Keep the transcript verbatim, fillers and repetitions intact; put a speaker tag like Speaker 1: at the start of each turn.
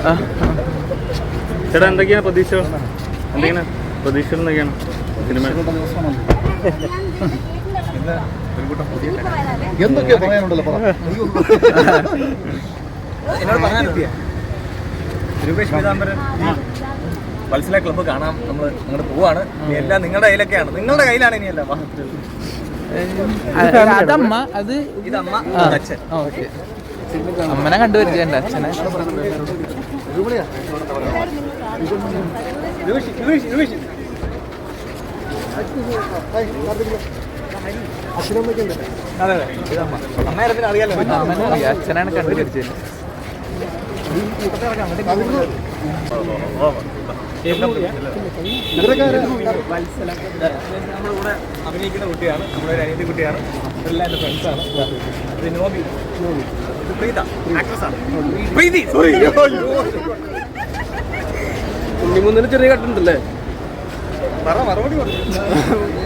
Speaker 1: ചേട്ടാ എന്തൊക്കെയാണ് പ്രതീക്ഷകൾ? എന്തൊക്കെയാണ് പ്രതീക്ഷകൾ? എന്തൊക്കെയാണ് സിനിമ?
Speaker 2: എന്തൊക്കെയാ പറയാനുണ്ടല്ലോ
Speaker 3: രൂപേഷ് പീതാംബരൻ വത്സല ക്ലബ്ബ് കാണാം. നമ്മൾ അങ്ങോട്ട് പോവാണ്. എല്ലാം നിങ്ങളുടെ കയ്യിലൊക്കെയാണ്, നിങ്ങളുടെ കയ്യിലാണ് ഇനി എല്ലാം.
Speaker 4: അതമ്മ, അത്
Speaker 3: ഇതമ്മ, അച്ഛൻ.
Speaker 4: ഓക്കെ, അമ്മനെ കണ്ടുവരികയുണ്ട്, അച്ഛനെ.
Speaker 3: അതെ അതെ, ഇതമ്മ. അമ്മേരത്തിന് അറിയാലോ,
Speaker 4: അമ്മനെ അറിയാം, അച്ഛനാണ് കണ്ടുവരിച്ചത്.
Speaker 3: നമ്മളിവിടെ അഭിനയിക്കുന്ന കുട്ടിയാണ്, നമ്മുടെ ഒരു അനിയത്തി കുട്ടിയാണ്. ഇവരെല്ലാം എൻ്റെ ഫ്രണ്ട്സാണ്. ഇത് നോബി, ഇത് പ്രീത, ആക്ട്രസ്സാണ്. പ്രീതി, സോറി.
Speaker 1: ഉണ്ണിമുന്നിന് ചെറിയ കട്ടുണ്ടല്ലേ?
Speaker 3: പറ, മറുപടി പറഞ്ഞു.